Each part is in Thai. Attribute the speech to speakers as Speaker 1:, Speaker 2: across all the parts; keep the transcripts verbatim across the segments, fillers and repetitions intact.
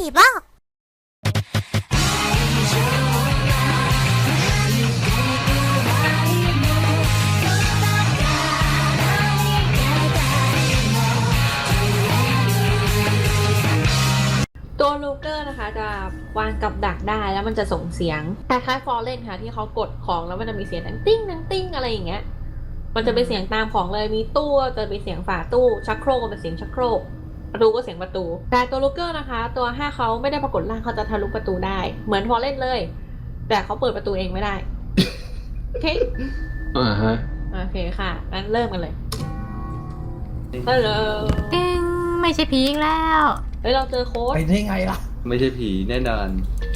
Speaker 1: บ้า
Speaker 2: ตัวลูเกอร์นะคะจะวางกับดักได้แล้วมันจะส่งเสียงคล้ายๆฟอร์เรนค่ะที่เขากดของแล้วมันจะมีเสียงดังติ้งดังติ้งอะไรอย่างเงี้ยมันจะเป็นเสียงตามของเลยมีตู้จะเป็นเสียงฝาตู้ชักโครกเป็นเสียงชักโครกประตูก็เสียงประตูแต่ตัวลูเกอร์นะคะตัวห้าเขาไม่ได้ปรากฏร่างเขาจะทะลุประตูได้เหมือนฟอร์เรนเลย แต่เขาเปิดประตูเองไม่ได้โอเค
Speaker 3: อ่าฮะ
Speaker 2: โอเคค่ะงั้นเริ่มกันเลยฮัลโหล
Speaker 1: ตึงไม่ใช่ผีอีกแล้ว
Speaker 2: เฮ้ยเราเจอโค้ด
Speaker 4: ไปได้ไงล่ะ
Speaker 5: ไม่ใช่ผีแน่นอน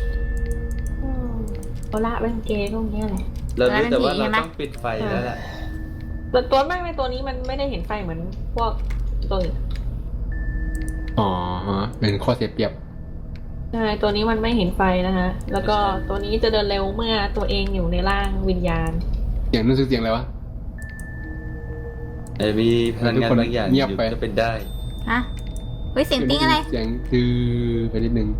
Speaker 2: โอละเป็นเกย์พวกนี้แหละ
Speaker 5: เรารู้แต่ว่าเราต้องปิดไฟแล้วแหละ
Speaker 2: แต่ตัวมากในตัวนี้มันไม่ได้เห็นไฟเหมือนพวกตัวอื่น
Speaker 3: อ๋อฮะเป็นข้อเสียเปรียบ
Speaker 2: ใช่ตัวนี้มันไม่เห็นไฟนะฮะแล้วก็ตัวนี้จะเดินเร็วเมื่อตัวเองอยู่ในร่างวิญญาณ
Speaker 3: เสียงนึกเสียงอะไรวะ
Speaker 5: ไอ้มีพลังงานบางอย่างอยู่จะเป็นได้
Speaker 1: ฮะเฮ้ยเสียงติ้งอะไร
Speaker 3: เสียงตื้อไปนิดนึง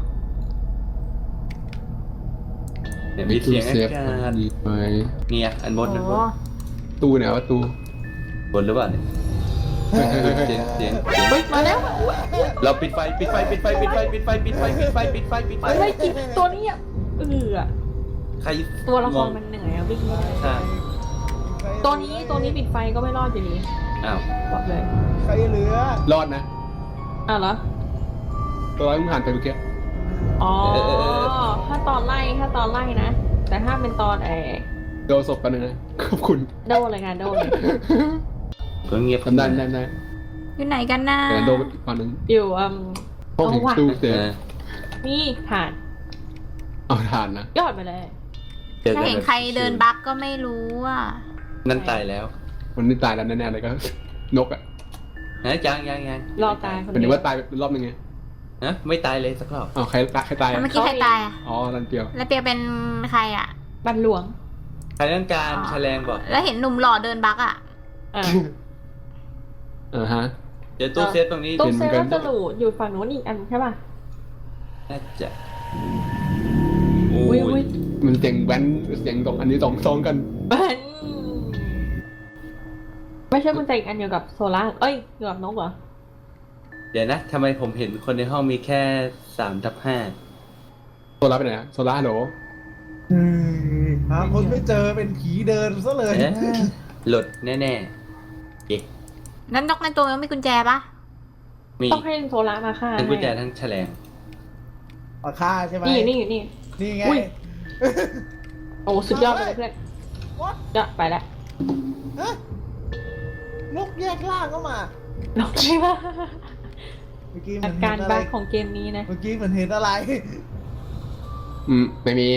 Speaker 5: เดี๋ยวมีเสียงอากาศเนี่ยอันบนอันบน
Speaker 3: ตู้ไหนวะตู้
Speaker 5: บนหรือเปล่าเนี่ยเสียงเสียง
Speaker 2: เฮ้ยมาแล้ว
Speaker 5: เราปิดไฟปิดไฟปิดไฟปิดไฟปิดไฟปิดไฟปิดไฟปิดไฟปิดไฟ
Speaker 2: ไม่กินตัวนี้อ่ะเออ
Speaker 5: ใคร
Speaker 2: ตัวละครมันเหนื่อยอ่ะวิ่ง
Speaker 5: ใช่
Speaker 2: ตัวนี้ตัวนี้ปิดไฟก็ไม่รอดอยู่ดี
Speaker 5: อ้าว
Speaker 2: บอกเลย
Speaker 4: ใครเหลือ
Speaker 3: รอดนะ
Speaker 2: อ้าวเหรอ
Speaker 3: ตัวร้อยมึงผ่านไปเมื่อกี้
Speaker 2: อ๋อถ้าตอนไล่ถ้าตอนไล่นะแต่ถ้าเป็นตอนไอ้
Speaker 3: โดนศพกันนะขอบคุณ
Speaker 2: โดนเลยค่ะโดนเลย
Speaker 5: ก็เงียบ
Speaker 3: ทำได้ได้ได้
Speaker 1: อยู่ไหนกันนะ
Speaker 3: โดนอีกฝั่งนึง
Speaker 2: อยู่อืม
Speaker 3: ห้องถึงตู้เสือ
Speaker 2: นี่ผ่าน
Speaker 3: เอาผ่านนะ
Speaker 2: ยอดไปเลย
Speaker 1: ถ้าเห็นใครเดินบั๊กก็ไม่รู้อ่ะ
Speaker 5: นั่นตายแล้ว
Speaker 3: มันนี่ตายแล้วแน่ๆเลยก็นกอ่ะ
Speaker 5: นะยังยังยัง
Speaker 2: รอตายคน
Speaker 3: เดียวเป็นว่าตายรอบนึงไง
Speaker 5: ฮะไม่ตายเลยสักรอบ
Speaker 3: อ๋อใครใครตาย
Speaker 1: เมื่อกี้ใครตายอ่ะ
Speaker 3: อ๋อรันเปียว
Speaker 1: รันเปียวเป็นใครอ่ะ
Speaker 2: บันหลวง
Speaker 5: ใครต้องการแฉลงบอก
Speaker 1: แล้วเห็นหนุ่มหล่อเดินบั๊กอ่ะ
Speaker 3: เออฮะ
Speaker 5: เดี๋ยวตู้เซฟตรงนี้
Speaker 2: ตู้เซฟก็จะหลูอยู่ฝั่งโน้นอีกอันใช่ป่ะ
Speaker 5: น่าจะ
Speaker 2: โอ้ย
Speaker 3: มันเสียงแว้นเสียงตรงอันนี้สองซองกัน
Speaker 2: แว้นไม่ใช่กุญแจอีกอันเดียวกับโซล่าเอ้ยเกี่ยวกับนกเหรอ
Speaker 5: เดี๋ยวนะทำไมผมเห็นคนในห้องมีแค่สามทับห้า
Speaker 3: โซล่าไปไหนโซล่าฮัลโหล
Speaker 4: หาคนไม่เจอเป็นผีเดินซะเลย
Speaker 5: หลุดแน่ๆเอ๊ะ
Speaker 1: นั้นนกในตัวมันมีกุญแจปะ
Speaker 5: มี
Speaker 2: ต้องให้โซล่ามาฆ่า
Speaker 5: ทั้งกุญแจทั้งแฉลง
Speaker 4: มาฆ่าใช่ไหม
Speaker 2: นี่นี่นี่
Speaker 4: นี่ไง
Speaker 2: โอ้สุดยอดเลยเพื่อนจะไปแล้ว
Speaker 4: นกแยกล่างเข้ามาน
Speaker 2: กใช่ปะ
Speaker 4: เมื่อกี้
Speaker 2: อาการบ้าของเกมนี้นะ
Speaker 4: เมื่อกี้มันเห็นอะไร
Speaker 3: อืมไม่มี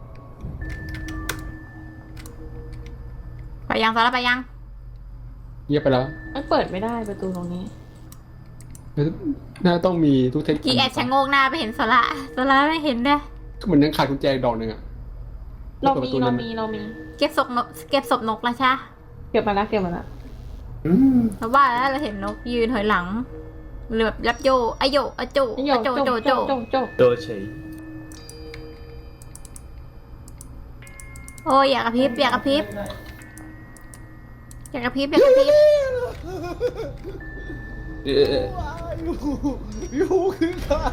Speaker 1: ไปยังโซล่าไปยัง
Speaker 3: เงียบไปแล้ว
Speaker 2: มันเปิดไม่ได้ประตูตรงนี้
Speaker 3: น่าต้องมีทุกเทคนิค
Speaker 1: กี่แอดชะโงกหน้าไปเห็นโซล่าโซล่าไม่เห็นด้วย
Speaker 3: มันยังขาดกุญแจดอกหนึ่งอะ
Speaker 2: เรามีเรามีเรามี
Speaker 1: เก็บศพนกเก็บศพนกแล้วใช่
Speaker 2: เก็บมาแล้วเก็บมาแล้ว
Speaker 1: เพราะว่าแล้วเราเห็นนกยืนถอยหลังหรือแบบรับโยอโยอโจอโจโจโจ
Speaker 2: โจ
Speaker 5: โดเฉย
Speaker 1: โอ้ยอยากกระพริบอยากกระพริบอยากกระพริบอยากกระพริบ
Speaker 4: ยูคือใคร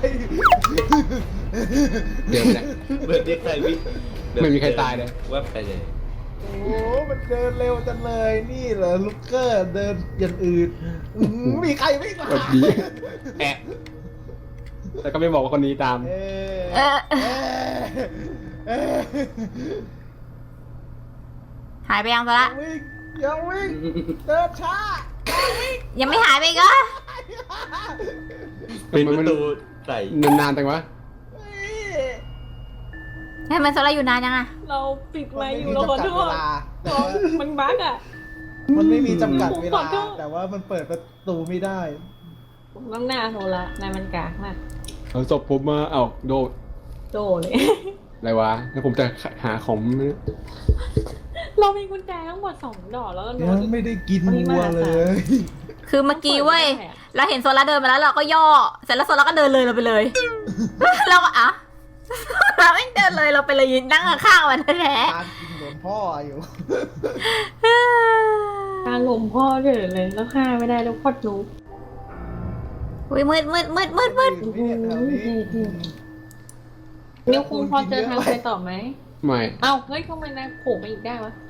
Speaker 3: เดี๋ยวนะ
Speaker 5: เบิร์ดที่ใครวิ่ง
Speaker 3: ไม่มีใครตายเลย
Speaker 5: ว่าไปเลย
Speaker 4: โอ้มันเดินเร็วจังเลยนี่เหรอลูกเกอร์เดินอย่างอื่นมีใครวิ่งมา
Speaker 3: แอะแต่ก็ไม่บอกว่าคนนี้ตาม
Speaker 1: หายไปยังซะละ
Speaker 4: ยังวิ่งเดินช้า
Speaker 1: ยังไม่หายไปก็
Speaker 5: เป็นประตูใส่
Speaker 3: นานๆแต่ว่า
Speaker 1: ให้มันโซล่าอยู่นานยังอะ
Speaker 2: เราปิดไว้อยู่เราขอโทษมันบั๊กอะ
Speaker 4: มันไม่มีจำกัดเวลาแต่ว่ามันเปิดประตูไม่ได้
Speaker 2: น้ำหน้าโซล่านายมันกากมาก
Speaker 3: เอาศพผมมาเอ้าโดด
Speaker 2: โดเลย
Speaker 3: อะไรวะแล้วผมจะหาของ
Speaker 2: เรามีกุญแจทั้งหมดสองดอกแล้วก็
Speaker 4: ยังไม่ได้กินวัวเลย
Speaker 1: คือเมื่อกี้เว้ยเราเห็นโซล่าเดินมาแล้วเราก็ย่อเสร็จแล้วโซล่าก็เดินเลยเราไปเลยเราก็อ่ะ เราไม่เดินเลยเราไปเลยยืนนั่งข้างๆมันแท้
Speaker 4: การกินหลนพ่ออยู่
Speaker 1: ๆ
Speaker 2: การลมพ่อเดินเลยแล้วฆ่าไม่ได้แล้วพอดรู้
Speaker 1: อุ้ยมืดมืดมืดมืดมืด
Speaker 4: เนี่ยแถวนี้
Speaker 2: นิ้วคุงพอเจอทางไปต่อไหม
Speaker 5: ไม่
Speaker 2: เอ้าเฮ้ยทำไมนายโผล่มาอีกได้วะ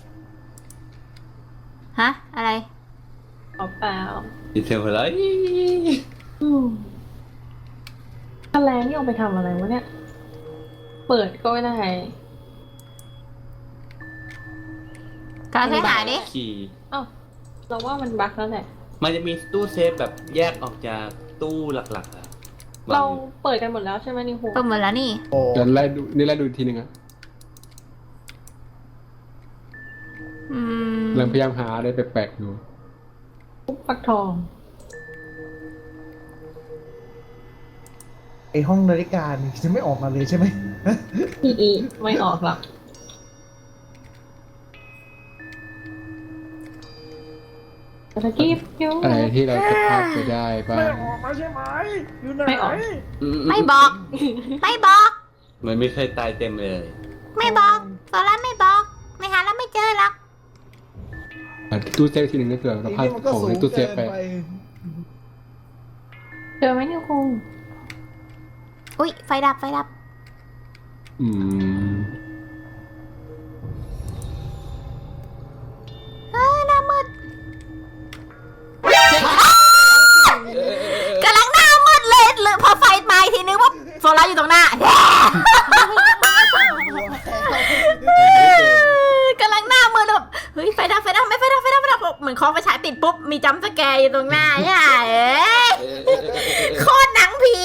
Speaker 1: ฮะอะไร
Speaker 2: เอาเปล่า
Speaker 5: ดีเทลอะไร
Speaker 2: อืมถ้าแรงนี่เอาไปทำอะไรวะเนี่ย เปิดก็ไม่ได้
Speaker 1: การให้หาดิ
Speaker 5: ขี่
Speaker 2: เอ้าเราว่ามันบั๊กแล้วแหละ
Speaker 5: มันจะมีตู้เซฟแบบแยกออกจากตู้หลักๆอะ
Speaker 2: เราเปิดกันหมดแล้วใช่ไหมนิวคุง
Speaker 1: เปิดหมดแล้วนี่
Speaker 4: โอ้
Speaker 5: เดี๋ยวไล่ดูนี่ไล่ดูอีกทีหนึงอะ
Speaker 1: อืม
Speaker 5: กำลังพยายามหาอะไรแปลกๆอยู่
Speaker 2: ปุ๊บฟักทอง
Speaker 4: ไอห้องนาฬิกานี่จะไม่ออกมาเลยใช่ไหม
Speaker 2: อีอีไม่ออกหรอกตะกี้คิ้ว
Speaker 5: อะไรที่เราจะพลาดไปได้บ้าง
Speaker 4: ไม่ออกมาใช่ไหมอยู่ไหน
Speaker 2: ไม่ออก
Speaker 1: ไม่บอก ไม่บอก
Speaker 5: มันไม่เคยตายเต็มเลย
Speaker 1: ไม่บอกโซล่าไม่บอก ไม่หาแล้วไม่เจอหรอก
Speaker 5: อ่ะตู้เซฟทีหนึ่งก็เกิดเราพลาด
Speaker 4: นี่มันก็
Speaker 5: ของ
Speaker 4: สู
Speaker 5: ใน
Speaker 4: ง
Speaker 5: ตู้เซ
Speaker 4: เกิ
Speaker 5: ฟ
Speaker 4: น
Speaker 5: ไป
Speaker 4: ไป
Speaker 2: เจอไหมนิวคุง
Speaker 1: อุ้ยไฟดับไฟดับ
Speaker 5: อืม
Speaker 1: เออหน้ามืดกำลังหน้ามืดเลยเลยพอไฟมาอีกทีนึงว่าโซล่าอยู่ตรงหน้า กำลังหน้ามืดแบบเฮ้ยไฟดับไฟดับไม่ไฟดับไฟดับไฟดับเหมือนคอไฟฉายติดปุ๊บมีจัมป์สแกร์อยู่ตรงหน้าใช่เอ้ยโคตรหนังผี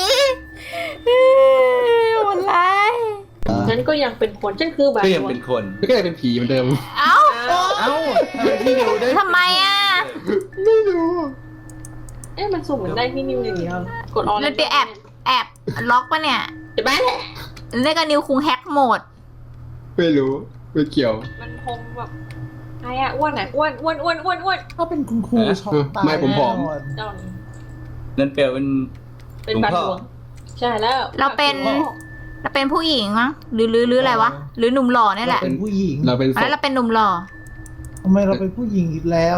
Speaker 1: โหดร้าย
Speaker 2: งั้นก็ยังเป็นคนฉันคือบา
Speaker 5: ก็ยังเป็นคนก็ยังเป็นผีเหมือนเดิม
Speaker 1: เอ้า
Speaker 5: เอ้าพี่นิวได้
Speaker 1: ทำไมอ่ะ
Speaker 5: ไม่รู้
Speaker 2: เอ๊ะมันสุ่มเหมือนได้พี่นิวอย่างเดียวกดออน
Speaker 1: เล่นไปแอบแอบล็อกปะเนี่ย
Speaker 2: จะบ้าแหละ
Speaker 1: เล่นกับนิวคุงแฮกโหมด
Speaker 5: ไม่รู้ไม่เกี่ยว
Speaker 2: มันคงแบบใครอะอ้วนอะอ้วนอ้วนอ้วนอ้วนอ้วน
Speaker 4: ถ้าเป็นคุณครูช็อกตาย
Speaker 5: ไม่ผมผอม
Speaker 4: แน่นอน
Speaker 2: จอน
Speaker 5: นั่นเปลวเป็น
Speaker 2: เป็น
Speaker 5: หลวง
Speaker 2: บาท
Speaker 5: พ่อ
Speaker 2: หลวงใช่แล้ว
Speaker 1: เราเป็น เราเป็นผู้หญิงมั้งหรือหรือหรืออะไรวะหรือหนุ่มหล่อนี่แห
Speaker 4: เรา
Speaker 1: ละ
Speaker 4: เป็นผู้หญิง
Speaker 5: เราเป็นศ
Speaker 1: แล้ว
Speaker 5: พ
Speaker 1: เราเป็นหนุ่มหล่อ
Speaker 4: ทำไมเราเป็นผู้หญิงอีกแล้ว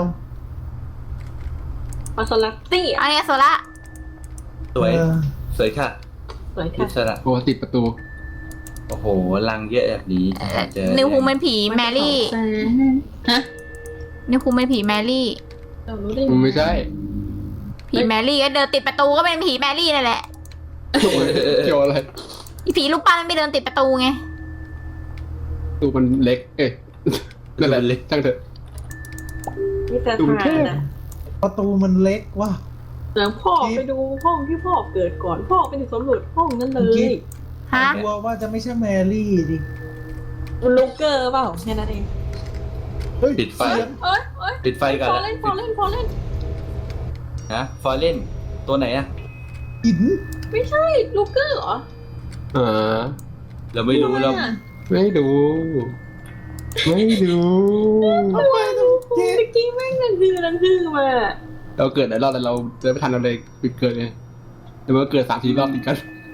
Speaker 2: มาสลักตี้
Speaker 1: อันนี้โซล่า
Speaker 5: สวย
Speaker 4: เออ
Speaker 5: สวยค่ะ
Speaker 2: สวย
Speaker 5: อิ
Speaker 2: ค่ะ
Speaker 5: สระโอ้ติดประตู โอ้โหลังเยอะแบบนี้เจอ
Speaker 1: นิวคุงเป็นผีแมรี่
Speaker 2: ฮะ
Speaker 1: นิวคุงเป็นผีแมรี่
Speaker 2: เรารู้ได้
Speaker 5: มันไม่ใช่
Speaker 1: ผีแมรี่ก็เดินติดประตูก็เป็นผีแมรี่นั่นแหละ
Speaker 5: เกี่ยวอะไร
Speaker 1: อีผีลูกปั้นมันไม่เดินติดประตูไง
Speaker 5: ตูมันเล็ก เอ้ยนั่นแหละเล็กช่างเถอะ
Speaker 2: มีแต่
Speaker 5: ดู
Speaker 2: ทา
Speaker 5: แค่
Speaker 2: นอะ
Speaker 4: ประตูมันเล็กว่ะ
Speaker 2: เดี๋ยวพ่อไปดูห้องที่พ่อเกิดก่อนพ่อไปถึงสำรวจห้องนั้นเลย
Speaker 1: ฮะ
Speaker 4: กลัวว่าจะไม่ใช่แมรี่ดิ
Speaker 2: มันลูกเกอร์เปล่าแค่นั้นเอง
Speaker 4: เฮ้ย
Speaker 5: ปิดไฟ
Speaker 4: เสียง
Speaker 2: เอ้ยเอ้ย
Speaker 5: ปิดไฟก่อน
Speaker 2: พอเล่นพอเล่นพอเล่น
Speaker 5: ฮะฟอร์เรนตัวไหนอะ
Speaker 4: หิน
Speaker 2: ไม่ใช่ลูกเกอร์เหรอ
Speaker 5: อ่าเราไม่รู้เรา
Speaker 2: ทำอะ
Speaker 5: ไม่ดู ไม่ดู
Speaker 4: ทำไมต้องเจ๊
Speaker 2: เมื่อกี้แม่งนันคือนันคือมา
Speaker 5: เราเกิดหลายรอบแต่เราเดินไม่ทันเราเลยปิดเกิดเลยแต่มันก็เกิดสามทีรอบติดกัน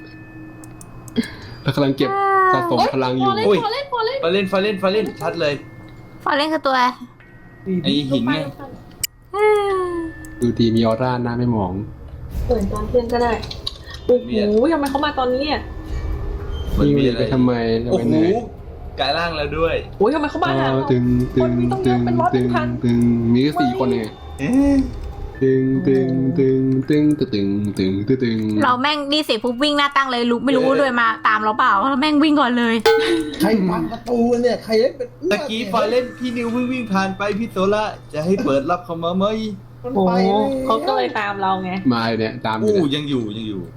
Speaker 5: เรากำลังเก็บสะสมพลังอยู่
Speaker 2: พอเล่น
Speaker 5: โอ้ย
Speaker 2: พอเล่นพอเล่น
Speaker 5: ฟอร์เรนฟอร์เรนฟอร์เรนชัดเลย
Speaker 1: ฟอร์เรนคือตัวอะไร
Speaker 5: ไอหินไงดูดีมีออร่าหน้าไม่หมอง
Speaker 2: เปิดตอนเที่ยงก็ได้โอ้โหทำไมเขามาตอนนี้อ่ะ
Speaker 5: มันมีอะไรไปทำไมจะ
Speaker 3: โอ้
Speaker 5: ไป
Speaker 3: โห
Speaker 5: ไหน
Speaker 3: กลายร่างแล้วด้วย
Speaker 2: โอ้ยทำไมเขามาหา
Speaker 5: อ๋อ
Speaker 2: เรา
Speaker 5: ตึงตึง
Speaker 2: คนมีต้องเย
Speaker 5: ตึ
Speaker 2: อะ
Speaker 5: ง
Speaker 2: เป็นร้อยเป็
Speaker 5: ตึ
Speaker 2: น
Speaker 5: ง
Speaker 2: พัน
Speaker 5: ตึงมีแค่สี่คนเอง
Speaker 3: เอ๊ะ
Speaker 5: ตึงตึงตึงตึงตึงตึงตึงตึง
Speaker 1: เราแม่งดีเสียปุ๊บวิ่งหน้าตั้งเลยรู้ไม่รู้ด้วยมาตามเราเปล่าเราแม่งวิ่งก่อนเลย
Speaker 4: ใครพังประตูเนี่ยใครเล่นเป็นเอื้
Speaker 3: ตะกี้ฟอร์เรนพี่นิววิ่งวิ่งผ่านไปพี่โซล่าจะให้เปิดรับเขามาไหม
Speaker 4: มัน
Speaker 2: โอ้
Speaker 4: ไป
Speaker 2: โห
Speaker 4: เลย
Speaker 2: เขาก็เลยตามเราไง
Speaker 5: มาเนี่ยตามอ
Speaker 3: อู้
Speaker 5: ยู่เนี่ย
Speaker 3: ยังอยู่ยังอยู่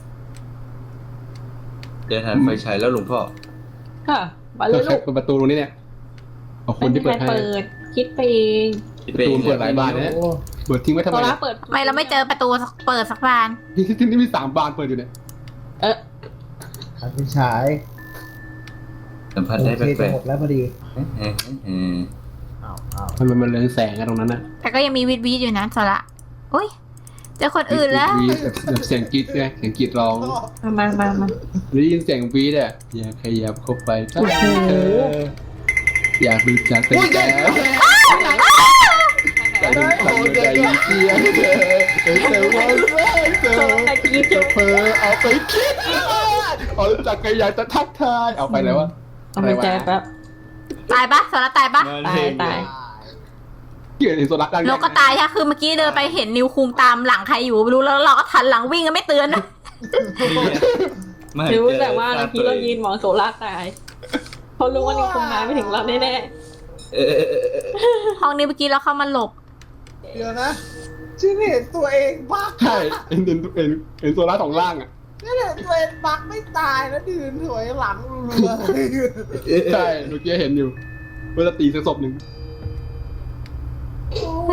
Speaker 3: เดินทางไฟฉายแล้วหลวงพ่อ
Speaker 2: ค่ะมาเล
Speaker 5: ก็
Speaker 2: ย
Speaker 5: แค่
Speaker 2: ลูก
Speaker 5: ประตูตรงนี้เนี่ยเอาคนที่เปิด
Speaker 2: ไม่
Speaker 5: ให้
Speaker 2: มีใครเปิดคิดไปเอง
Speaker 5: ประตูเปิดหลายบานเนี่ย
Speaker 4: โอ้
Speaker 5: เปิดทิ้งไว้ทำ
Speaker 2: โซ
Speaker 5: ไม
Speaker 2: ล่า
Speaker 5: เนี่ย
Speaker 2: เปิด
Speaker 1: ทำไมเราไม่เจอประตูเปิดสักบาน
Speaker 5: ที่ที่นี่มีสามบานเปิดอยู่เนี่ย
Speaker 2: เออ
Speaker 4: ขันเป็นฉาย
Speaker 3: สัมผัส
Speaker 4: โอ
Speaker 3: ได้
Speaker 4: เค
Speaker 3: แปล
Speaker 4: จะ
Speaker 3: ก
Speaker 4: หมดแล้วพอดี
Speaker 3: ๆเอ๊ะเอ๊ะเอ๊ะ
Speaker 4: อ้าวอ้าว
Speaker 5: มันมันมันเรืองแสงอะตรงนั้นน่ะ
Speaker 1: แต่ก็ยังมีวิดวิดอยู่นะโซล่าอุ้ยเจอคนอื่นแล้ว
Speaker 3: วีดแบบแบบเสียงกรีดไงเสียงกรีดร้อง
Speaker 2: มามามามา
Speaker 3: ได้ยินเสียงวีดอ่ะอย่าขยับเข้าไปใกล้เธออยากรู้จักเป็นแกแต่ถึงสั่งใจเสียงเธอแต่ว่าเธอ
Speaker 2: โซโลตะกี้จุ๊บ
Speaker 3: เธอเอาไปคิดเอาจากใครอยากจะทักทายเอาไปแล้ววะ
Speaker 2: เอาไปแจแป๊บ
Speaker 1: ตายปะโซล่าตายปะ
Speaker 2: ตายตาย
Speaker 3: เกี่ยวกับโซลักดัง
Speaker 1: นกก็ตายใช่คือเมื่อกี้เดินไปเห็นนิวคุงตามหลังใครอยู่ไม่รู้แล้วเราก็ทันหลังวิ่งก็ไม่เตือนนะ
Speaker 5: ไม่
Speaker 2: รู้
Speaker 5: เจอ
Speaker 2: แต่ว่าเมื่อกี้เรายืนมองโซล่าตายเพราะรู้ว่านี่คงมาไม่ถึงเราแน่
Speaker 5: เออเออเออเออ
Speaker 1: ห้องนี้เมื่อกี้เราเข้ามาหลบ
Speaker 4: เดี๋ยวนะฉันเห็นตัวเองบัก
Speaker 3: ใช่เอ็นเอ็นเอ็นเอ็นโซลักของล่างอ่ะ
Speaker 4: ฉันเห็นตัวเองบักไม่ตายแล้วยืนถอยหลังเรือ
Speaker 3: ใช่เมื่อกี้เห็นอยู่เวลาตีสักศพหนึ่ง
Speaker 4: โอ้โห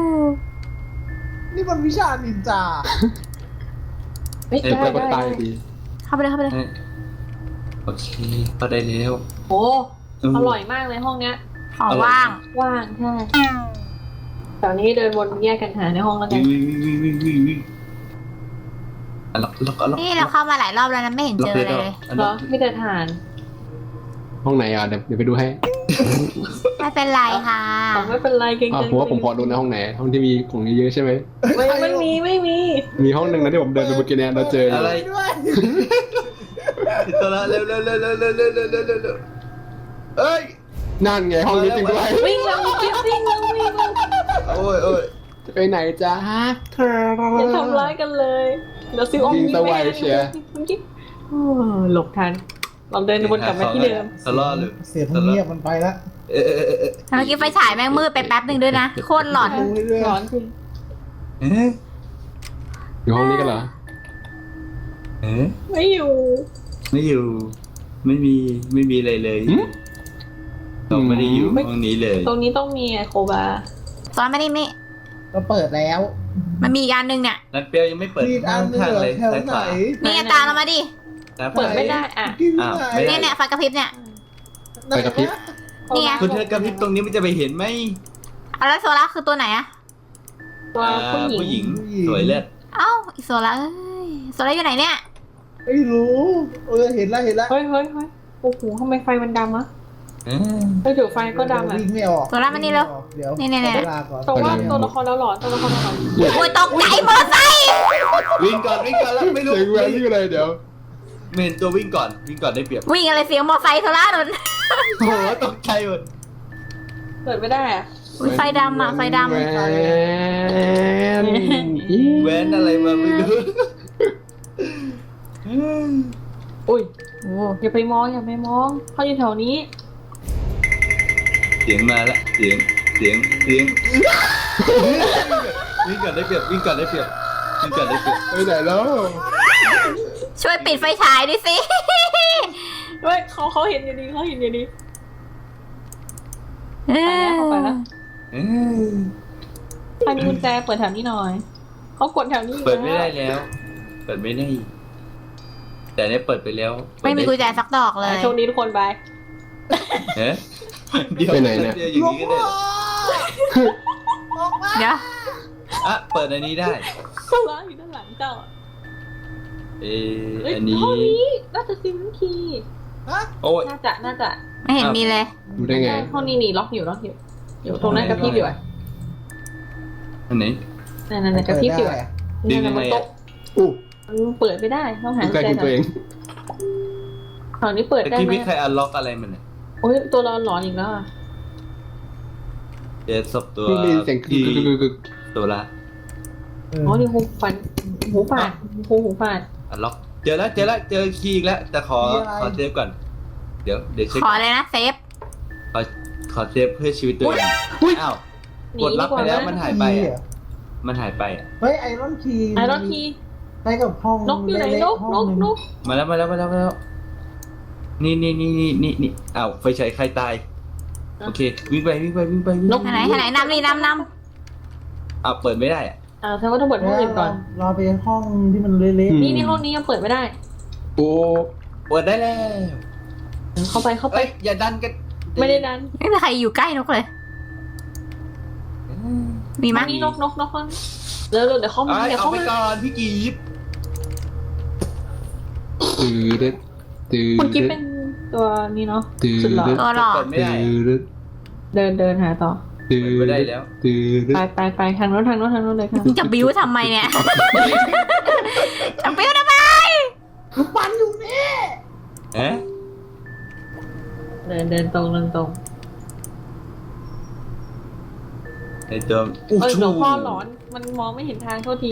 Speaker 4: นี่มันวิชานินจา
Speaker 2: ๆเฮ้ยได้
Speaker 3: แล้วก็
Speaker 2: ได้
Speaker 3: ตายดี
Speaker 1: เข้าไปเลยเข้าไปเลย
Speaker 5: โอเคก็ได้แล้ว
Speaker 2: โอ้อร่อยมากเลยห้องเนี้ย
Speaker 1: ของว่าง
Speaker 2: ว่างใช่ตอนนี้เดินวนแยกกันหาในห้องแล้วกั
Speaker 5: วิ่
Speaker 2: น
Speaker 5: งวิ่งวิ่งวิ่งวิ่งวิ่งอ่ะล็อกล็อกล็อก
Speaker 1: นี่เราเข้ามาหลายรอบแล้วนะไม่เห็นเจออะไรเลย
Speaker 5: อ่ะ
Speaker 2: เหร
Speaker 5: ล็
Speaker 2: อ
Speaker 5: อก
Speaker 2: ไม่เดินทาน
Speaker 3: ห้องไหนอ่ะเดี๋ยวเดี๋ยวไปดูให้
Speaker 1: ไม่เป็นไรค่ะ
Speaker 2: อ๋อไม่เป็นไรเก่ง
Speaker 3: อ้าวผมว่าผมพอดูในห้องไหนห้องที่มีของเยอะๆใช่ไหม
Speaker 2: ไม่ไม่มีไม่มี
Speaker 3: มีห้องหนึ่งนะที่ผมเดินไปเมื่อกี้เนี่ยเราเจออยู่
Speaker 5: อะไร
Speaker 4: ด้วย
Speaker 5: ติดตัวละเร็วเร็วเร็วเร็วเร็วเร็วเร็วเร็วเร็วเร็วเอ้ย
Speaker 3: นั่นไงห้องนี้จริงด้วย
Speaker 2: วิ่งแล้ววิ่งแล้ววิ่งแล้ววิ่งแล้ว
Speaker 5: โอ้ยโอ้ย
Speaker 3: จะไปไหนจ้าเธอ
Speaker 2: อย่าทำร้ายกันเลยเดี๋ยวซิวอม
Speaker 3: ยิง
Speaker 2: ยิง
Speaker 3: ส
Speaker 2: ไม่
Speaker 3: วาย
Speaker 2: ได้
Speaker 3: เชียร์
Speaker 2: ยิงโอ้หลบทันเราเดินวนกลับมาที่เดิม
Speaker 5: สลอเลย
Speaker 4: เสียงเงียบมันไปแล้ว
Speaker 5: เออเออเออเออ
Speaker 1: เมื่อกี้ไฟฉายแม่งมืดไปแป๊บหนึ่งด้วยนะโคตรหลอน
Speaker 4: ดูเรื่อย
Speaker 2: ร้อนจริง
Speaker 5: เอ๊ะ
Speaker 3: อยู่ห้องนี้กันเหรอ
Speaker 5: เอ๊ะ
Speaker 2: ไม่อยู่
Speaker 5: ไม่อยู่ ไม่มีไม่มีอะไรเลยเราไม่ได้อยู่ห้องนี้เลย
Speaker 2: ตรงนี้ต้องมีโคบา
Speaker 1: ตอนไม่ได้นี่
Speaker 4: ก็เปิดแล้ว
Speaker 1: มันมีอีกอันหนึ่งเนี่ย
Speaker 5: นัดเปียวยังไม่เปิด
Speaker 4: มีอันนึง
Speaker 5: ข้าง
Speaker 4: เหรอ
Speaker 5: เลย
Speaker 4: แถว
Speaker 5: ซ้าย
Speaker 4: ไห
Speaker 5: ข
Speaker 4: น
Speaker 5: วา
Speaker 1: นี่ไงตามเรามาดิ
Speaker 5: ซ้ายขวา
Speaker 2: เปิดไม่ได้อ่ะ
Speaker 4: ที่ไหน
Speaker 5: อ้าวไม่ได้
Speaker 1: เนี่ยเนี่ยไฟกระพริบเนี่ย
Speaker 3: ไปกระพริบ
Speaker 1: นี่ไง
Speaker 5: คุณเธอกระพริบตรงนี้มันจะไปเห็นไหม
Speaker 1: เอาแล้วโซล่าคือตัวไหนอะ
Speaker 2: ตัว
Speaker 5: อ่า
Speaker 2: ผู้หญิง
Speaker 5: ผู้หญิงสวยเลิศ
Speaker 1: เอ้าอีโซล่าเอ้ยโซล่าอยู่ไหนเนี่ย
Speaker 4: ไม่รู้เออเห็นแล้วเห็นแล้ว
Speaker 2: เฮ้ยเฮ้ยเฮ้ยโอ้โหทำไมไฟมันดำอะ
Speaker 5: เอ๊ะ
Speaker 2: เฮ้ยเดี๋ยวไฟก็ดำอะ
Speaker 4: วิ่งไม่ออก
Speaker 1: โซล่ามานี่เร็ว
Speaker 4: เดี๋ยว
Speaker 1: นี่ๆๆ
Speaker 4: ขอเวลาก่อน
Speaker 2: แต่ว่าตัวละครเราหลอนตัวละครเราหลอน
Speaker 1: โอ้ยตกใจมอไซค์
Speaker 5: วิ่งก่อนวิ่งก่อนแล้วไม่รู้
Speaker 3: เสียงแหวนนี่เลยเดี๋ยว
Speaker 5: ไม่เห็นตัววิ่งก่อนวิ่งก่อนได้เปรียบ
Speaker 1: วิ่งอะไรเสียงมอไซค์โซล่าโดน
Speaker 5: โอ้โหตกใจหมด
Speaker 2: เปิดไม่ได้อะ
Speaker 1: อุ๊ยไฟดำอะไฟดำ
Speaker 3: แหวน
Speaker 5: แว้นอะไรมาไม่รู้
Speaker 2: อุ้ย
Speaker 1: โอ้
Speaker 2: อย่าไปมองอย่าไปมองเขาอยู่แถวนี้
Speaker 5: เสียงมาละเสียงเสียงเสียงวิ่งก่อนได้เปรียบวิ่งก่อนได้เปรียบวิ่งก่อนได้เปรียบ
Speaker 3: ไปไหนแล้ว
Speaker 1: ช่วยปิดไฟฉายดิสิ
Speaker 2: เฮ้ยเขาเขาเห็นอยู่ดีเขาเห็นอยู่ดี
Speaker 1: เอ
Speaker 2: ไปแล้วเข้าไป
Speaker 1: อ
Speaker 2: แล้ว
Speaker 5: เอ๊ะ
Speaker 2: ใครมีกุญแจเปิดแถวนี้หน่อยเขากดแถวนี้อยู่
Speaker 5: เปิดไม่ได้แล้ว เปิดไม่ได้ แต่เนี่ยเปิดไปแล้ว
Speaker 1: ไม่มีกุญแจสักดอกเลย
Speaker 2: อ่ะโชคดีทุกคนบาย
Speaker 5: เอ๊ะเดี๋ยว
Speaker 3: ไปไหนเนี่ย
Speaker 5: เดี๋ยวอย่างนี้ก็ได้เหรอ
Speaker 4: ออกมา
Speaker 1: เดี๋ยว
Speaker 5: อ่ะเปิดอันนี้ได้
Speaker 2: โซล่าอยู่ด้านหลังเจ้าอะ
Speaker 5: เอ๊ะ
Speaker 2: เฮ้ย
Speaker 5: อันนี้
Speaker 2: ห้องนี้น่าจะซิมคีย์
Speaker 4: ฮะ
Speaker 5: โอ้ย
Speaker 2: น่าจะน่าจะ
Speaker 1: ไม่เห็นมีเลย
Speaker 3: ดูได้ไง
Speaker 2: ห้องนี้นี่ล็อกอยู่ล็อกอยู่อยู่ตรงนั้นกระพริบอยู่อะ
Speaker 5: อันไหน
Speaker 2: นั่นนั่นนั่นกระพริบอยู่อะ
Speaker 5: ดึ
Speaker 2: นั่
Speaker 5: ง
Speaker 2: น
Speaker 5: ยังไง
Speaker 2: มันโต๊ะ
Speaker 3: อู้
Speaker 2: มันเปิดไม่ได้ต้องหา
Speaker 3: ใกล้
Speaker 2: กุญ
Speaker 3: คุณ
Speaker 2: แจ
Speaker 3: ตัวเอง
Speaker 2: ฝั่งนี้เปิด
Speaker 5: แต่
Speaker 2: ได้
Speaker 5: ที่
Speaker 2: ไหม
Speaker 5: ไม่ใครอันล็อกอะไรมันเนี่ย
Speaker 2: โอ้ยตัวเราหลอนอีกแล้วอะ
Speaker 5: เดี๋ยวศพตัว
Speaker 3: ได้ยินเสียงกึ
Speaker 5: ที่
Speaker 3: กกึกกึกกึก
Speaker 5: ตัวละ
Speaker 2: อ๋อนี่หูฟันหูฝาดหูหูฝาด
Speaker 5: อันล็อก เจอแล้วเจอแล้วเจอคีย์อีกแล้ว แต่ขอขอเซฟก่อน เดี๋ยวเดี๋ยวเช็ค
Speaker 1: ขอเลยนะเซฟ
Speaker 5: ขอขอเซฟเพื่อชีวิตตัวเองอ้าว
Speaker 2: หนี
Speaker 5: กดรับ
Speaker 2: ดีก
Speaker 5: ไป
Speaker 2: ว่า
Speaker 5: แล้ว
Speaker 2: ไหม
Speaker 5: มันหายไปอ่ะ มันหายไปอ่ะ
Speaker 4: เฮ้ยไอรอนคี
Speaker 2: ไอรอนที
Speaker 4: ไปกับห้อง
Speaker 2: นกอยู่ไหน
Speaker 4: เล็
Speaker 2: น
Speaker 4: ๆ
Speaker 2: ก
Speaker 4: ห้
Speaker 2: น
Speaker 4: อง
Speaker 2: ก
Speaker 4: หง
Speaker 2: นก
Speaker 5: มาแล้วมาแล้วมาแล้วมาแล้ว นี่นี่นี่นี่นี่นี่อ้าวไฟฉายใครตาย โอเค วิ่งไปวิ่งไปวิ่งไปวิ่ง
Speaker 2: นก
Speaker 1: ไหนไหนไหนนำนี่นำน
Speaker 5: อ้าวเปิดไม่ได้อ่ะ
Speaker 2: อ่าแสดงว่าต้องเปิดห้องอื่นก่อน
Speaker 4: รอไปห้องที่มันเละ
Speaker 2: นี่นี่ห้องนี้ยังเปิดไม่ได้
Speaker 3: โอ้
Speaker 5: เปิดได้แล้ว
Speaker 2: เข้าไปเข้าไป
Speaker 5: เอ้ยอย่าดันกัน
Speaker 2: ไม่ได้ดัน
Speaker 1: ำไม่มีใครอยู่ใกล้นกเลย มีมั้ย
Speaker 2: นี่นกนกนกนกเดี๋ยวเดี๋ยวเขามา
Speaker 5: ไอ้
Speaker 2: เดี๋ยว
Speaker 5: เอา
Speaker 2: เขา
Speaker 5: ไป
Speaker 2: มา
Speaker 5: ก่อนพี่กีบ
Speaker 3: ตื้อดึ๊ดตื้อ
Speaker 2: คุณกิ๊
Speaker 3: ดึ๊
Speaker 2: บ
Speaker 3: ด
Speaker 2: เป็นตัวนี้เนาะ
Speaker 3: ตื้อ
Speaker 2: สุดหล่อ
Speaker 3: ดึ๊ด
Speaker 1: ตัวหล่อ
Speaker 5: เปิดไม่ได้
Speaker 3: ตื้อดึ๊ด
Speaker 2: เดินเดินหาต่อ
Speaker 3: ตื้อ
Speaker 5: เปิดไม่ได้แล้ว
Speaker 3: ตื้อดึ๊
Speaker 2: ไป
Speaker 3: ด
Speaker 2: ไปไปทางโน้นทางโน้นทางโน้นเลยค่ะ
Speaker 1: มึงจะบิ้วทำไมเนี่ย จะบิ้วทำไม
Speaker 4: ลูกปันอยู่นี่
Speaker 5: เอ๊ะ
Speaker 2: เดินเดินตรงเดินตรง
Speaker 5: ไอตัวอู้
Speaker 2: เออ
Speaker 5: ชู
Speaker 2: หลวงพ่อหลอนมันมองไม่เห็นทางโทษที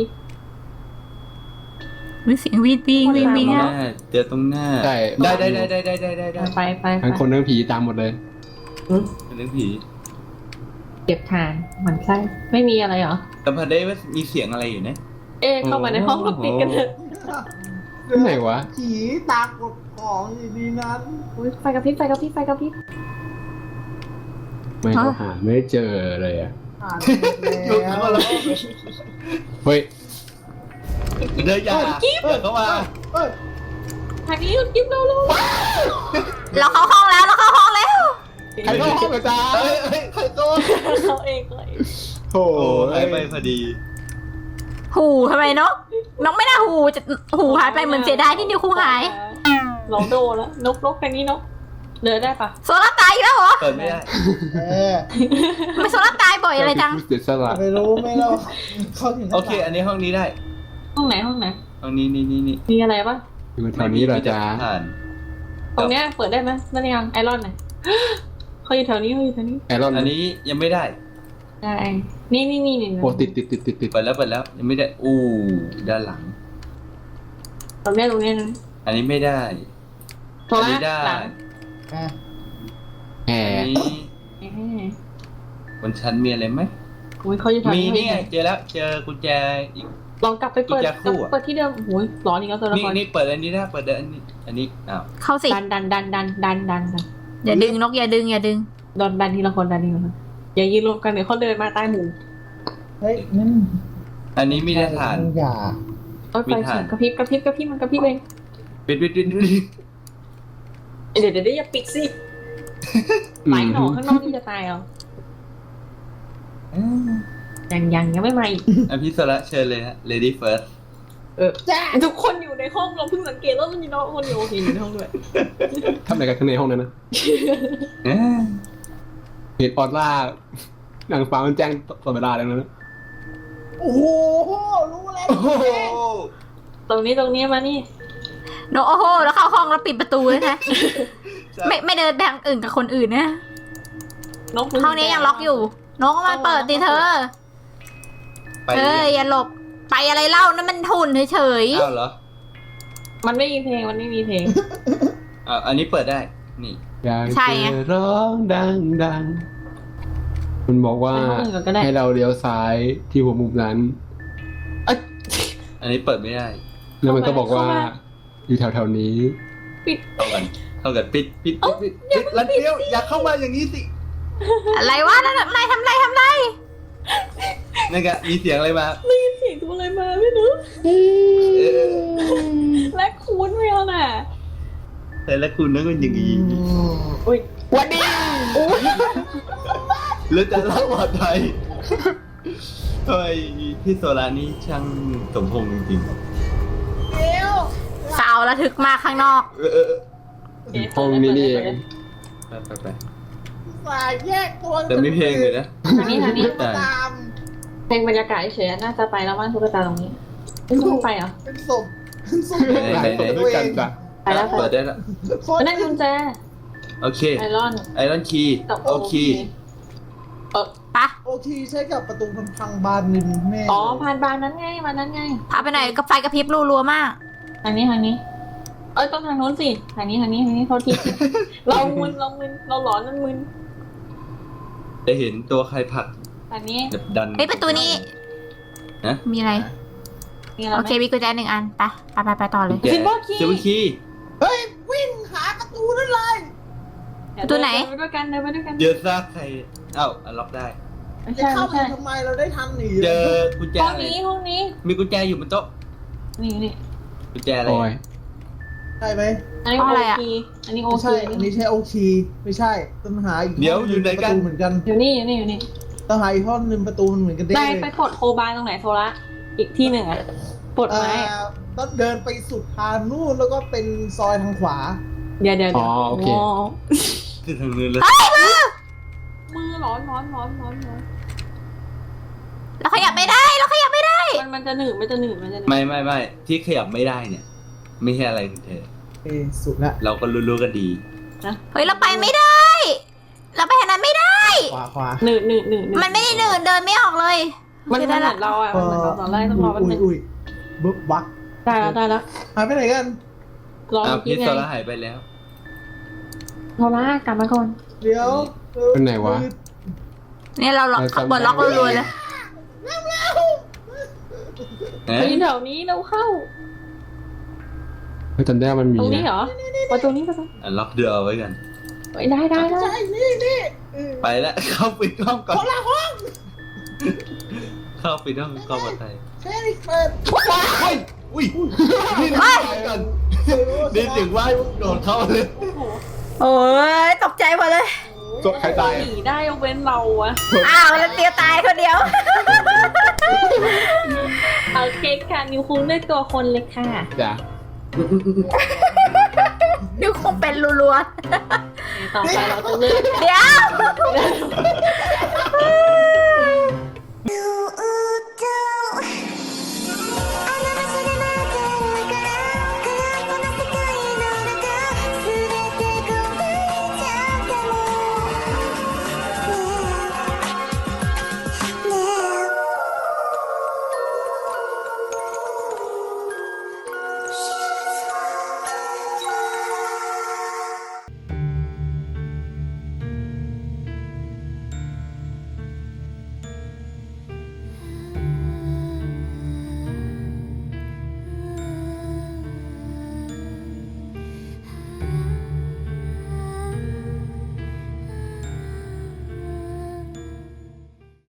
Speaker 1: มีเสียงวีดวิ่งวิ่งวิ่ง
Speaker 5: ห
Speaker 1: อะ
Speaker 5: น้าเจอตรงหน้า
Speaker 3: ใช่
Speaker 5: ได้ได้ได้ได้ได้ได้ได้ได้
Speaker 2: ไปไปไป
Speaker 3: ทั้งคนทั้งผีตามหมดเลย
Speaker 5: เป็นเรื่องผี
Speaker 2: เก็บทานหมันไส้ไม่มีอะไรเหรอ
Speaker 5: แต่พอได้ว่ามีเสียงอะไรอยู่นะ
Speaker 2: เอ๊ะเข้ามาในห้องเราปิดกันเถอะ
Speaker 3: ที่ไหนวะ
Speaker 4: ผีตากดของอยู่ในนั้น
Speaker 2: อุ๊ยไฟกระพริบไฟกระพริบไฟกระพริบ
Speaker 3: ไม่ก็หาไม่เจอเลยอ่ะ
Speaker 4: อ่าน
Speaker 5: ลุก
Speaker 4: แล้
Speaker 5: เข้าว มาแล้ว
Speaker 3: เฮ้ย
Speaker 5: เดินยาเปิดเข้ามา
Speaker 4: เอ้ย
Speaker 2: ทางนี้คุณกิ๊บเร็วเร็ว
Speaker 1: เราเข้าห้องแล้วเราเข้าห้องแล้ว
Speaker 3: ใครเข้าห้องกับจ้า
Speaker 5: เฮ้ยเฮ้ยใครโดน
Speaker 2: เขาเองเลย
Speaker 3: โอ้
Speaker 5: โอ้หายไปพอดี
Speaker 1: หูทำไมนกนกไม่น่าหูจะหูหายไปเหมือนเสียดายที่นิ้วคู่หาย
Speaker 2: ลองโดนแล้วนกนกทางนี้นกเดินได้ปะ
Speaker 1: โซล่าตายอีกแล้วเหรอ
Speaker 5: เปิดไม่ได้
Speaker 4: เออ
Speaker 1: ทำไมโซล่าตายบ่อยอะไรจัง
Speaker 3: เสียสละ
Speaker 4: ไม่รู้ไม่รู้เขาถึง
Speaker 5: โอเค อันนี้ห้องนี้ได้
Speaker 2: ห้องไหนห้องไหน
Speaker 5: ห้องนี้นี่นี่นี่
Speaker 2: มีอะไรปะ
Speaker 3: อยู่แถวนี้เหรอจ้า
Speaker 5: ผ่าน
Speaker 2: ตรงเนี้ยเปิดได้ไหมนั่นยังไอรอนไหนอยเขาอยู่แถวนี้เขาอยู่แถวนี้
Speaker 3: ไอรอน
Speaker 5: อันนี้ยังไม่ได้
Speaker 2: ได้นี่นี่นี่นี่
Speaker 3: โอ้ติดติดติดติดติด
Speaker 5: เปิดแล้วเปิดแล้วยังไม่ได้ อู้ด้านหลัง
Speaker 2: ตรงเนี้ยตรงเนี้ยนะ
Speaker 5: อันนี้ไม่ได้
Speaker 2: ตรง
Speaker 5: อัน
Speaker 2: นี้
Speaker 5: นี้ได้
Speaker 2: หลัง
Speaker 4: อ่ะ
Speaker 3: แห
Speaker 5: อัน
Speaker 3: ม
Speaker 5: นี้
Speaker 2: เอ๊ะ
Speaker 5: บนชั้นมีอะไรไหม
Speaker 2: อุ้ยเขาอยู่แถว
Speaker 5: มี
Speaker 2: นี้
Speaker 5: นี่ไงเจอแล้ว เจอกุญแจอีก
Speaker 2: ลองกลับไปเปิด
Speaker 5: กุญแจคู่อะ
Speaker 2: เปิดที่เดิมโอ้ยร้อนอีกแล้วตัวละ
Speaker 5: นี่
Speaker 2: คร
Speaker 5: นี่เปิดอันนี้ได้เปิดอันนี้ อันนี้ อ้าว
Speaker 1: เข้าสิ
Speaker 2: ดันดันดันดันดันดันดัน
Speaker 1: อย่าดึงนกอย่าดึงอย่าดึง
Speaker 2: ดันดันทีละคนดันทีละคนอย่ายืนรวมกันเดี๋ยวเขาเดินมาใต้หมู่
Speaker 4: เฮ้ยนั่น
Speaker 5: อันนี้มีได้ฐาน
Speaker 4: อย่า
Speaker 2: โอ้ยไฟ
Speaker 5: มีถ่าน
Speaker 2: กระพริบกระพริบกระพริบมันกระพริบเอง
Speaker 5: ปิดปิดปิดปิด
Speaker 2: เดี๋ยวเดี๋ยวเดี๋ยวอย่าปิดสิไหลหนอข้างนอกนี่จะตายเอายังยังยังไม่มาอีก
Speaker 5: อ่ะพี่โซละเชิญเลยฮะ lady first
Speaker 2: เออทุกคนอยู่ในห้องเราเพิ่งสังเกตว่ามันมีน้องคนอยู่โอเคอยู่ในห้องด้วย
Speaker 3: ทำอะไรกันข้างในห้องนั้นนะ
Speaker 5: เอ๊ะ
Speaker 3: เหตุออร่านางฟ้ามันแจ้งตลอดเวลาเลยนะ
Speaker 4: โอ้โหรู้แล้ว
Speaker 5: โอ้โห
Speaker 2: ตรงนี้ตรงนี้มานี่
Speaker 1: นกโอ้โหแล้วเข้าห้องแล้วปิดประตูเลยนะไม่ไม่เดินไปทางอื่นกับคนอื่นนะ
Speaker 2: นก
Speaker 1: ห้องนี้ยังล็อกอยู่นกมันเปิดดิเธอ
Speaker 5: ไป
Speaker 1: เอ้ยอย่าหลบไปอะไรเล่านั่นมันหุ่นเฉย
Speaker 5: อ้าวเหรอ
Speaker 2: มันไม่มีเพลงมันไม่มีเพลง
Speaker 5: อ่าอันนี้เปิดได้ นี่
Speaker 3: อยากจะร้องดังดังมันบอกว่า
Speaker 2: ไปห้องอื่นก่อนก็ได้
Speaker 3: ให้เราเลี้ยวซ้ายที่หัวมุมนั้น
Speaker 5: อันนี้เปิดไม่ได้
Speaker 3: แล้วมันก็บอกว่า อยู่แถวๆนี้
Speaker 2: ปิด
Speaker 5: เข้ากันเข้ากันปิดปิดปิดปิดปิดแล้วเดียวอย่าเข้ามาอย่างนี้สิ
Speaker 1: ๆอะไรวะนั่นน่ะนายทำไรทำไร
Speaker 5: นั่นไงมีเสียงอะไรมา
Speaker 2: ได้ยินเสียงตัวอะไรมาไม่รู้
Speaker 5: เออ
Speaker 2: และคูนไม่เอาน่ะ
Speaker 5: แต่ละคุณนั่นก็อย่างนี้
Speaker 2: อุ้ย
Speaker 3: วันนี้
Speaker 5: แล้วจะเล่าว่าไทยเฮ้ยพี่โซลานี่ช่างสมพงษ์จริง
Speaker 4: เดี๋ยว
Speaker 1: สาวระทึกมากข้างนอก
Speaker 5: ๆเออเออเออ
Speaker 3: ห้องนี้นี่เอง
Speaker 5: ไปไปไป
Speaker 4: สายแยกตัว
Speaker 5: แต่ไม่เพลงเลยนะ
Speaker 2: ทางนี้ทางนี้
Speaker 5: แต่
Speaker 4: ตาม
Speaker 2: เพลงบรรยากาศเฉยๆน่าจะไปแล้วมั้งตุ๊กตาตรงนี้ไม่ต้องไปเหรอ
Speaker 4: เป็นศพเป็นศพ
Speaker 3: หลายคนด้วยกันจ้ะ
Speaker 2: ไปแล้วไป
Speaker 5: เปิดได้แล้ว
Speaker 4: โค
Speaker 2: มัน
Speaker 4: ตร
Speaker 2: ได้กุญแจ
Speaker 5: โอเค
Speaker 2: ไอรอน
Speaker 5: ไอรอนคีย์
Speaker 2: กับ
Speaker 5: โอเค
Speaker 2: เออ
Speaker 1: ปะ
Speaker 4: โอทีใช้กับประตูพังๆบานริมแม่
Speaker 2: อ๋อผ่านบานนั้นไงบานนั้นไง
Speaker 1: พาไปไหนอยกับไฟกระพริบรัวๆมาก
Speaker 2: ทางนี้ทางนี้ เอ้ยต้องทางโน้นสิทางนี้ทางนี้ทางนี้โทษที เรามึนเรามึนเราหลอนนั่นมึน
Speaker 5: จะเห็นตัวใครผลัก
Speaker 2: ทางนี้
Speaker 5: แบบดัน
Speaker 1: เฮ้ยประตูนี้
Speaker 5: นะ
Speaker 1: มีอะไร
Speaker 2: มีอะไร
Speaker 1: โอ
Speaker 2: ไหม
Speaker 1: เคมีกุญแจหนึ่งอันไปไปไปไปต่อเลย
Speaker 5: แก
Speaker 2: Silver key
Speaker 5: ซิลเวอร์คีย์
Speaker 4: เฮ้ยวิ่งหาประตูนั่นเลย
Speaker 2: เดี๋ยว
Speaker 1: ตัวไหน
Speaker 2: เดินไปด้วยกันเดินไปด้วยกัน
Speaker 5: เจอซากใครเอ้าอันล็อกได้
Speaker 2: ไม่
Speaker 4: จะ
Speaker 2: ใช่
Speaker 4: เข้า
Speaker 2: ไม่
Speaker 4: ไป
Speaker 2: ใช่
Speaker 4: ทำไมเราได้ทันหนี
Speaker 5: เจอกุญแจ
Speaker 2: ห้อง
Speaker 5: อะไร
Speaker 2: นี้ห้องนี้
Speaker 5: มีกุญแจอยู่บนโต๊ะ
Speaker 2: นี่นี่
Speaker 5: กุญแจอะไร
Speaker 3: โอ้ย
Speaker 4: ใช่ไหม
Speaker 2: อันนี้
Speaker 1: ห้อง
Speaker 2: โอ
Speaker 1: อะไรอะ
Speaker 2: คีอันนี้โอ
Speaker 4: ไม่
Speaker 2: คี
Speaker 4: ใช่อันนี้ใช่โอคีไม่ใช่ต้องหาอีก
Speaker 5: เดี๋ยวอยู่ไหนกัน
Speaker 4: ประตูเหมือนกัน
Speaker 2: อยู่นี่อยู่นี่อยู่นี่
Speaker 4: ต้องหาอีกห้องหนึงประตูมันเหมือนกัน
Speaker 2: ได้
Speaker 4: ได้
Speaker 2: ไป
Speaker 4: เลย
Speaker 2: กดโคบายตรงไหนโทระอีกที่หนึ่งอะปลดไม้อะ
Speaker 4: อ่าต้องเดินไปสุดทางนู่นแล้วก็เป็นซอยทางขวา
Speaker 2: เดี๋ยวเดี๋ยว
Speaker 3: อ๋
Speaker 2: เดี๋
Speaker 3: อ
Speaker 2: ยว
Speaker 3: โอเค
Speaker 5: คือทางนู้นเลย
Speaker 2: มือร้อนร้อนร้อนร้อนร้อน
Speaker 1: เราขยับไม่ได้เราขยับไม่ได้
Speaker 2: มันมันจะหนืดมันจะหนืดมันจะหนืด
Speaker 5: ไม่ไม่ไม่ที่ขยับไม่ได้เนี่ย ไม่ใช่อะไรของเธอ
Speaker 4: เอยสุดละ
Speaker 5: เราก็รู้ๆกันดี
Speaker 1: เฮ้ยเราไปไม่ได้ เราไปทางนั้นไม่ได้
Speaker 4: ขวาขวา
Speaker 2: หนืดหนืดหนืดห
Speaker 1: มันไม่ได้หนืดเดินไม่ออกเลย
Speaker 2: มัน
Speaker 1: โอ
Speaker 2: มัน
Speaker 1: เค
Speaker 2: เห
Speaker 1: ได้
Speaker 2: มื
Speaker 1: ละ
Speaker 2: อนเราอะมันเหมือนเราตอนแรกต้องรอแป๊บ
Speaker 4: อุ้
Speaker 2: นึ
Speaker 4: ย
Speaker 2: ง
Speaker 4: อุ้ยบึ๊บวัก
Speaker 2: ได้แล้วได้แล้ว
Speaker 4: หายไปไหนกัน
Speaker 2: รอ
Speaker 5: อ้าว
Speaker 2: เมื่อ
Speaker 5: พิ
Speaker 2: กี้
Speaker 5: ษ
Speaker 2: ไง
Speaker 5: โซล่าหายไปแล้ว
Speaker 2: โทรล่ากลับมาก่อน
Speaker 4: เดี๋ยวออ
Speaker 3: เป็นไหนวะ
Speaker 1: เนี่ยเราล็อกเปิดล็อกรัวๆเลย
Speaker 5: เอ๊ะ
Speaker 2: ไปแถวนี้เราเข้า
Speaker 3: เฮ้ยจำได้ว่ามันมี
Speaker 2: ตรงนี้
Speaker 3: นะ
Speaker 2: เหรอประตูนี้ประตู
Speaker 5: อ่ะล็อกเดือเอาไว้กัน
Speaker 2: เฮ้ยได้ได้ได้
Speaker 4: ใช่นี่นี่เออ
Speaker 5: ไปแล้ว เข้าปิดห้องก่อน
Speaker 4: คนละห้อง
Speaker 5: เข้าปิดห้องเข้ามาไทย
Speaker 4: แค่นี้เปิด
Speaker 5: เฮ้ยอุ้ยนี่นี่ไปก่อนนี่ถึงว่าโดดเข้าเลย
Speaker 2: โอ้โห
Speaker 1: โอ้ยตกใจหมดเลย
Speaker 3: ศพใครตาย
Speaker 2: หนีได้ยกเว้นเราอะ
Speaker 1: อ้าวแล้วเตียวตายคนเดียว
Speaker 2: เอาเค้กค่ะนิวคุ้งด้วยตัวคนเลยค่ะ
Speaker 3: จ้ะ
Speaker 1: นิวคงเป็นรัว
Speaker 2: ต่อไปเราจะเลือก
Speaker 1: ๆเดี๋ยว